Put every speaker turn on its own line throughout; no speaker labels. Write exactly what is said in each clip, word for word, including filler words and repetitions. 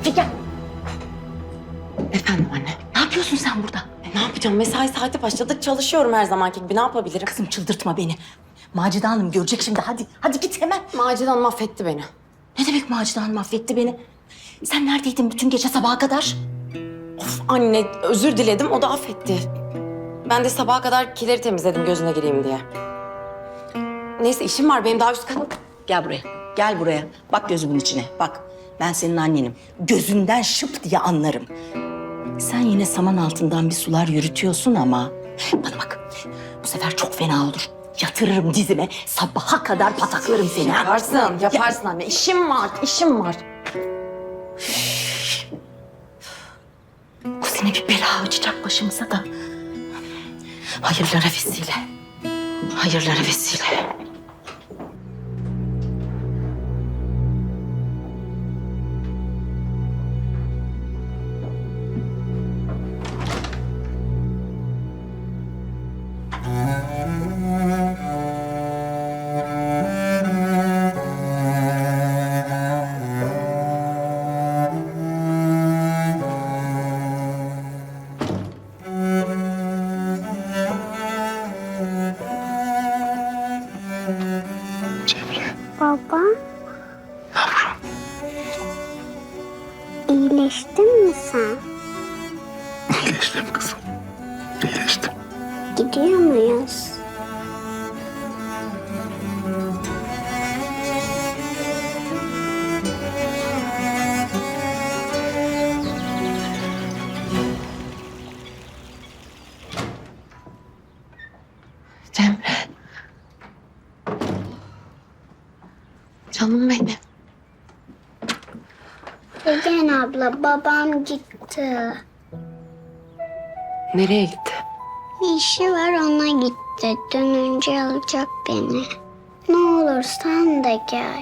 Figen!
Efendim anne.
Ne yapıyorsun sen burada?
E, ne yapacağım? Mesai saati başladı. Çalışıyorum her zamanki gibi. Ne yapabilirim?
Kızım çıldırtma beni. Macide Hanım görecek şimdi. Hadi, hadi git hemen.
Macide Hanım affetti beni.
Ne demek Macide Hanım affetti beni? Sen neredeydin bütün gece sabaha kadar?
Of anne, özür diledim. O da affetti. Ben de sabaha kadar kileri temizledim gözüne gireyim diye. Neyse işim var benim daha üst katta.
Gel buraya. Gel buraya. Bak gözümün içine. Bak. Ben senin annenim. Gözünden şıp diye anlarım. Sen yine saman altından bir sular yürütüyorsun ama... Bana bak. Bu sefer çok fena olur. Yatırırım dizime. Sabaha kadar pataklarım seni. ha?
Yaparsın, yaparsın anne. İşim var, işim var.
Bu sene bir bela açacak başımıza da. Hayırlara vesile. Hayırlara vesile.
Baba,
Yavrum,
iyileştin mi sen?
iyileştim kızım. İyileştim.
Gidiyor muyuz?
Cemre. Canım benim.
Figen abla, babam gitti.
Nereye gitti?
Bir işi var, ona gitti. Dönünce alacak beni. Ne olur sen de gel.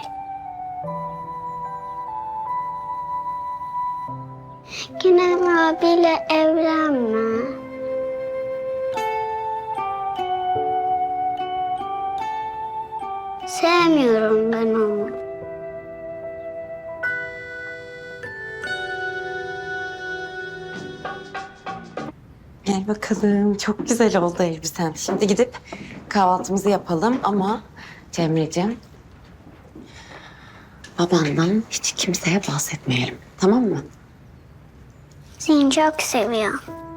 Kenan abiyle evlenme. Sevmiyorum ben onu.
Gel bakalım. Çok güzel oldu elbisen. Şimdi gidip kahvaltımızı yapalım ama Cemre'ciğim babandan hiç kimseye bahsetmeyelim. Tamam mı?
Seni çok seviyorum.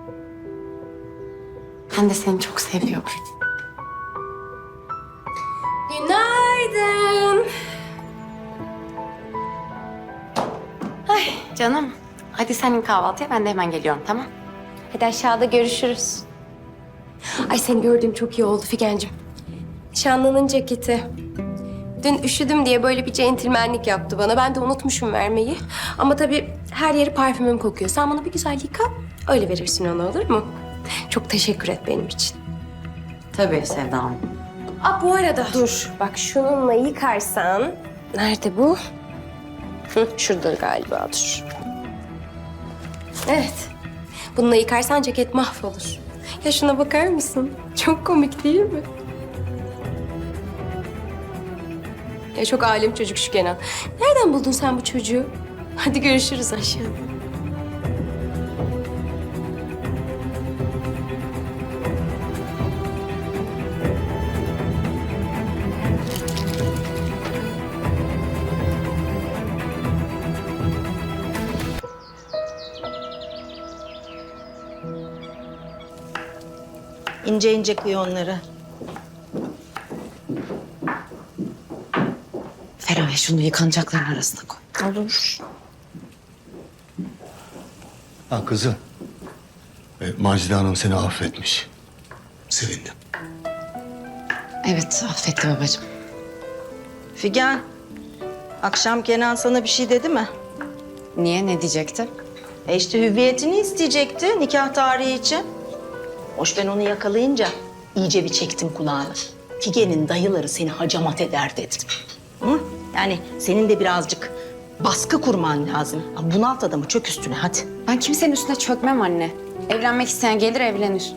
Ben de seni çok seviyorum. Günaydın. Ay canım. Hadi senin kahvaltıya ben de hemen geliyorum tamam?
Hadi aşağıda görüşürüz. Ay seni gördüğüm çok iyi oldu Figen'cim. Nişanlının ceketi. Dün üşüdüm diye böyle bir centilmenlik yaptı bana. Ben de unutmuşum vermeyi. Ama tabii her yeri parfümüm kokuyor. Sen bunu bir güzel yıka, öyle verirsin ona olur mu? Çok teşekkür et benim için.
Tabii Sevda Hanım.
Aa bu arada dur. Bak şununla yıkarsan... Nerede bu? Hı, şurada galiba dur. Evet. Bununla yıkarsan ceket mahvolur. Ya şuna bakar mısın? Çok komik değil mi? Ya çok alim çocuk şu Kenan. Nereden buldun sen bu çocuğu? Hadi görüşürüz aşağıda.
İnce ince kıy onları.
Feraye şunu yıkanacakların arasına koy.
Olur.
Ha kızım. E, Macide Hanım seni affetmiş. Sevindim.
Evet affetti babacığım.
Figen, akşam Kenan sana bir şey dedi mi?
Niye ne diyecekti?
E işte hüviyetini isteyecekti nikah tarihi için. Hoş ben onu yakalayınca iyice bir çektim kulağını. Figen'in dayıları seni hacamat eder dedim. Hı? Yani senin de birazcık baskı kurman lazım. Bunalt adamı, çök üstüne hadi.
Ben kimsenin üstüne çökmem anne. Evlenmek isteyen gelir evlenir.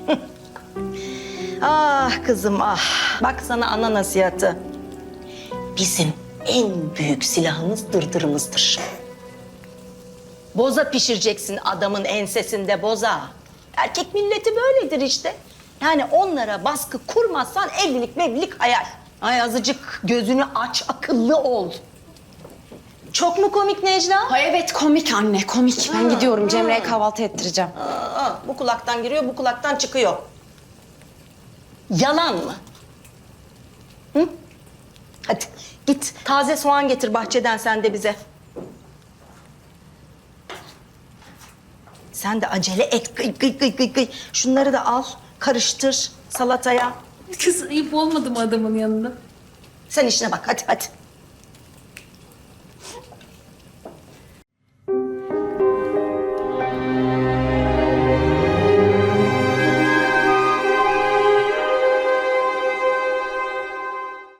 Ah kızım ah. Bak sana ana nasihatı. Bizim en büyük silahımız dırdırımızdır. Boza pişireceksin adamın ensesinde boza. Erkek milleti böyledir işte. Yani onlara baskı kurmazsan evlilik mevlilik hayal. Ay azıcık gözünü aç, akıllı ol. Çok mu komik Necla?
Ay evet komik anne komik. Ben gidiyorum Cemre'ye kahvaltı ettireceğim.
Aa, bu kulaktan giriyor, bu kulaktan çıkıyor. Yalan mı? Hı? Hadi git taze soğan getir bahçeden sen de bize. Sen de acele et. Gıy gıy gıy gıy gıy. Şunları da al, karıştır salataya.
Kız ayıp olmadı mı adamın yanında?
Sen işine bak hadi hadi.